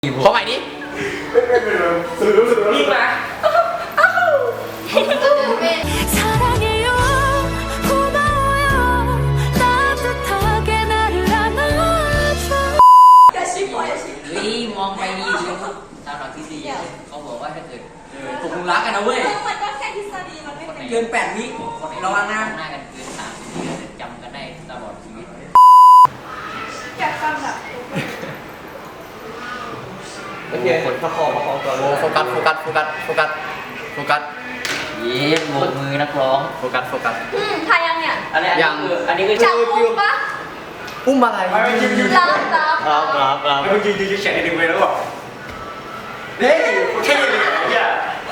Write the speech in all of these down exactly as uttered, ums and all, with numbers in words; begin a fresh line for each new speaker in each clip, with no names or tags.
ขอใหม่ดินี่มานี่มองไปนี่ตามหลักทฤษฎีเขาบอกว่าถ้าเกิดตกลุมรักกันนะเว้ย
มันก็แค่ทฤษฎีมันไม่เป็น
เกินแปดวิคนระวังหน้าหน้ากันเกินสามวิจำกันได้ตลอดชีวิต
อยากฟังแบบ
โอเคประคองประคองตัวโฟกัสโฟกัสโฟกัสโฟกัสโฟกัส
เย้โบกมือนักร้อง
โฟกัสโฟกัส
อืมทายยังเนี่ย
อันนี้ยังอันนี้คือ
จับอุ้มปะ
อุ้มอะไร
รับรับ
รับรับรับ
เมื่อกี้ยืนแขนดึงไปแล้วบอกเฮ้ยเท่เลยเนี่ย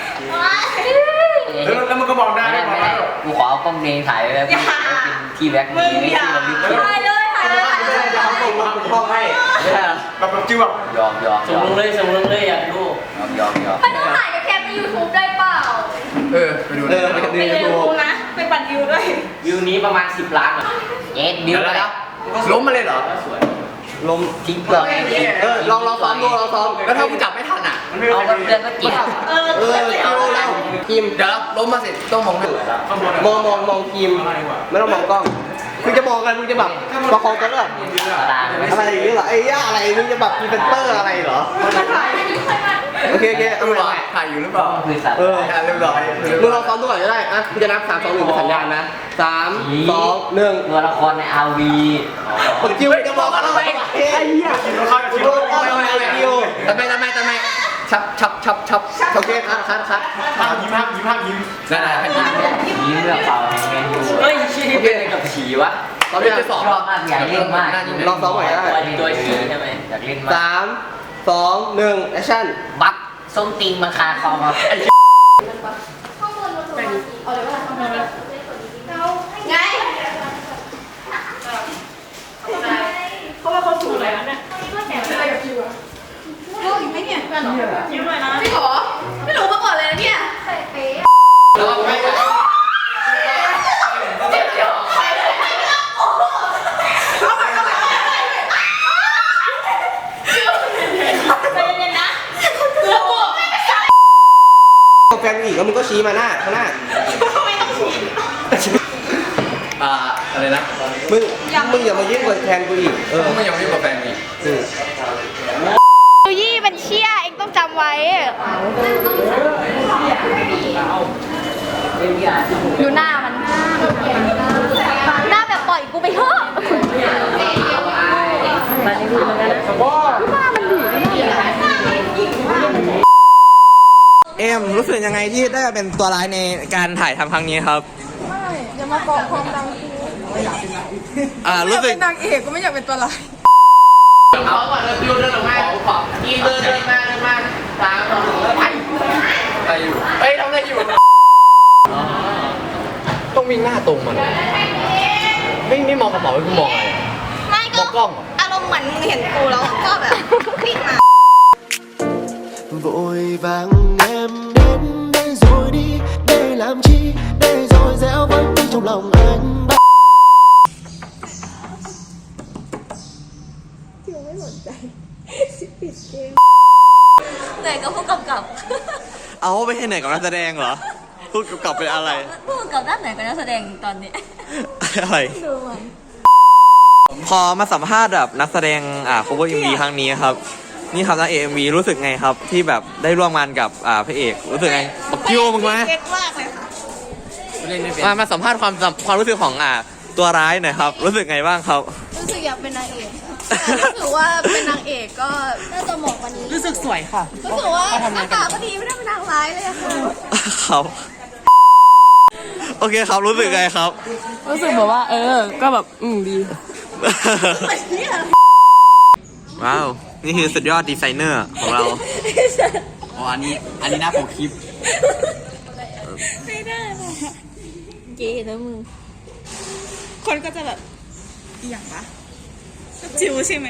แล้วแล้วมันก็มองได้ไม่ได้
กูขอเอากล้องเมย์ถ่ายไว้แล้วเป็นที่แบ็คมีไม่ใช่เราลึก
ถ่ายเลยถ่ายเลยถ่ายเลยถ่ายเลย
ห้องให้ไม่ได้
แบบแบบจิ้วแบบ
ยอมยอมส่งลงเลยส่งลงเลยอยากดูยอมยอมยอม
ไม่ต้องถ่ายกับแคปในยูทูบได้เปล่า
เออไปดูเลยไปดู
ยูทูบนะไปปั่นวิวด้วย
วิวนี้ประมาณสิบล้านเย็ดวิวแล้ว
ล้มมาเลยเหรอ
สวย
ล้มทิ้งเปลือกเออลองลองซ้อมดูลองซ้อมแล้วถ้ากูจับไม่ทันอ่ะ
เอาเพื่อนก็กิน
เออ
เออเอาแล้วกิมเดี๋ยวล้มมาสิต้องมองมองมองมองกิมไม่ต้องมองกล้องมึงจะมองกันมึงจะแบบประคองตัวเลือกอะไรอย่างนี้เหรอไอ้ย่าอะไรมึงจะแบบพรีเซนเตอร์อะไรเหรอโอเคโอเคเอาใหม่ถ่ายอยู่หรือเปล่าเออเรียบร้อยมึงลองซ้อมตัวก่อนก็ได้อ่ะกูจะนับสามสองหนึ่งเป็นสัญญาณนะสามสองหนึ่ง
ตัวละครในอาร์วี
ผมจิ้วจะมองกันทำไมไอ้เหี้ยจิ้วเข้าจิ้วเข้าจิ้วทำไมทำไมทำไมชับชับชับชับโอเคคัดคัดคัด
ยิ้มภาพยิ้มภาพยิ้ม
นั่นแหละยิ้ม
ยิ้มเรื่องเปล่าแมนยูเฮ้ยชี้เป็นอะไรกับฉีวะ
ตอนนี้จะสอบ
ชอบมากอยากเล่นมาก
ลองซ้อมใหม่ได้
ตัวฉีใช่ไหมอยากเล่นมาก
สามสองหนึ่งแอคชั่น
บักส้มติงมันคาคอมา
ข้างบนเราเอาเลยว่าข้างบนเราไงเขาว่าเขาถูกเลยนะเนี่ยอะไรกับคิวอะรู้อยู่ไหมเนี่ยเพื่อนหรอยิ้มเลยนะไม่ขอไม่รู้มาก่อนเลยนะเนี่ยใส่เป๊ะ
แล้วไม่ไปแฟนอีกแล้วมึงก็ชี้มาหน้าข้างหน้า
ไม่ต้องชี้
อ่าอะไรนะมึงมึงอย่ามายิ่งกว่าแฟนกูอีกเออมึงอย่ามายิ่งกว่าแฟนอีก
ยูยี่เป็นเชี่ยเองต้องจำไว้ดูหน้ามันหน้าแบบปล่อยกูไปเถอะหน้ามันดี
เอ็มรู้สึกยังไงที่ได้เป็นตัวร้ายในการถ่ายทำครั้งนี้ครับ
ไม่อย่ามากองความดังกู
อ่ารู้สึก
เป็นนางเอกก็ไม่อยากเป็นตัวร้าย
เอาก่อนเลยยูเดินออกมาขอบยีเดินเดินมาเดินมาตามเราไป
อะไรอยู่
เฮ้ยทำอะไรอยู่
ต้องวิ่งหน้าตรงมันไม่ไม่มองกระเป๋าไม่มองอะไร
ไม่ก็
กล้อง
อารมณ์เหมือนมึงเห็นกูแล้วก็แบบวิ่งมา
vội vàng em đến đây rồi đi để làm chi để rồi dẻo vẫn đi trong lòng anh
chưaไม่สนใจปิดเกม
เหนื่อยกับผู้กำกับ
เอาไปให้ไหนกับนักแสดงเหรอผู้กำกับเป็นอะไร
ผู้กำกับด้านไหนกับนักแสดงตอนนี้
อะไร
ดูมัน
พอมาสัมภาษณ์แบบนักแสดงอ่า cover เอ็ม วี ครั้งนี้ครับนี่ครับนะ เอ็ม วี รู้สึกไงครับที่แบบได้ร่วมงานกับอ่าพระเอกรู้สึกไงบักคิวมึงไหม
เก่งมากเลยค่ะ
มามาสัมภาษณ์ความความรู้สึกของอ่าตัวร้ายหน่อยครับรู้สึกไงบ้างครับ
รู้สึกอยากเป็นนางเอกรู้สึกว่าเป็นนางเอกก็น่าจะเหมาะกว่านี้
รู้สึกสวยค่ะ
รู้สึกว่าหน้าตาก็ดีไม่ได้เป็นนางร้ายเลยค่ะ
ครับโอเคครับรู้สึกไงครับ
รู้สึกแบบว่าเออก็แบบอืมดี
ว้าวนี่คือสุดยอดดีไซเนอร์ของเราอ๋ออันนี้อันนี้หน้าปกคลิป
ไม่ได้เลยเก๋นะมึงคนก็จะแบบอย่างวะจิวใช่ไหม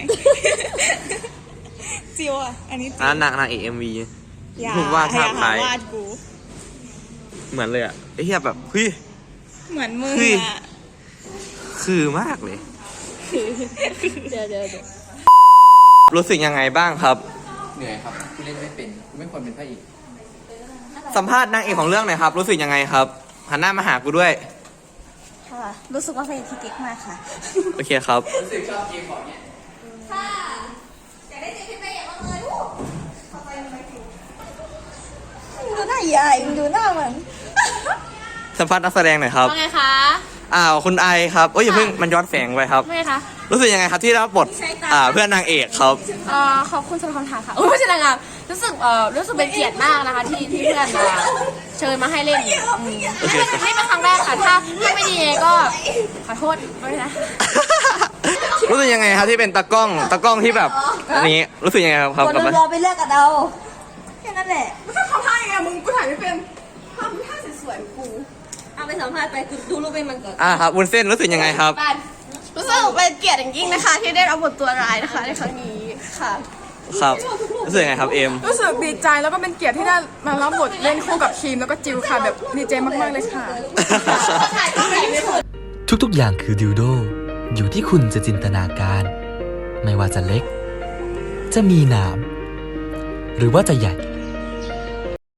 จิวอ่ะอันนี้
อ่านางนางเอกเอ็มวีถูกว่าท่าทายเหมือนเลยอ่ะไอ้เหี้ยแบบเฮ้ย
เหมือนมึงอ่ะ
คือมากเลย
เดี๋ยวเดี๋ยว
รู้สึกยังไงบ้างครับ
เหนื่อยครับกูเล่นไม่เป็นกูไม่ควรเป็นพระเอก
สัมภาษณ์นางเอกของเรื่องหน่อยครับ รู้สึกยังไงครับ หันหน้ามาหากูด้วย
ค่ะ รู้สึกว่าเป็นที่เก๊กมากค่ะ
โอเคครับ
รู้สึกชอบเกมของเนี่ย
ค่ะอยากได้เจอพี่เป้อย่างมากเลยลูกขอไปทำไมถูก
ดูหน้าใหญ่ดูหน้าเหมือน
สัมภาษณ์นักแสดงหน่อยครับ
ว่าไงคะ
อ้าวคุณไอครับโอ้ยอย่าเพิ่งมันย้อนแสงไปครับ
ว่าไงคะ
รู้สึกยังไงครับที่ได้รับบทอ่าเพื่อนนางเอกครับ
เอ่อขอบคุณสำหรับคำถามค่ะอุ้ยไม่ใช่นางงามรู้สึกเอ่อรู้สึกเป็นเกียรติมากนะคะที่ที่เพื่อนมาเชิญมาให้เล่นอืม
โอเค
ไม่เป็นครั้งแรกค่ะถ้าถ้าไม่ดีก็ขอโทษด้วยนะ
รู้สึกยังไงครับที่เป็นตากล้องตากล้องที่แบบอันนี้รู้สึกยังไงครับครับ
คน
กับมัน
รอไปเลือกกันเอาแค่นั้นแหละ
ก็ทำท่ายังไงมึงกูถ่ายไม่เป็นทำท่าสวยๆกู
เอาไปสัมภาษณ์ไปดูรูปเป็นมันก่อน
อ่าครับวุ้นเส้นรู้สึกยังไงครับ
บ้านรู้สึกเป็นเกียรติอย่างยิ่งนะคะ ที่ได้รับบทตัวร้ายนะคะในครั้งนี้ค่ะ
ครับรู้สึกยังไงครับเอม
รู้สึกดีใจแล้วก็เป็นเกียรติที่ได้มารับบทเล่นคู่กับคิมแล้วก็จิวค่ะแบบดีใจมากๆเลยค่ะ
ทุกๆ อย่างคือดิวโด อยู่ที่คุณจะจินตนาการ ไม่ว่าจะเล็ก จะมีหนาม หรือว่าจะใหญ่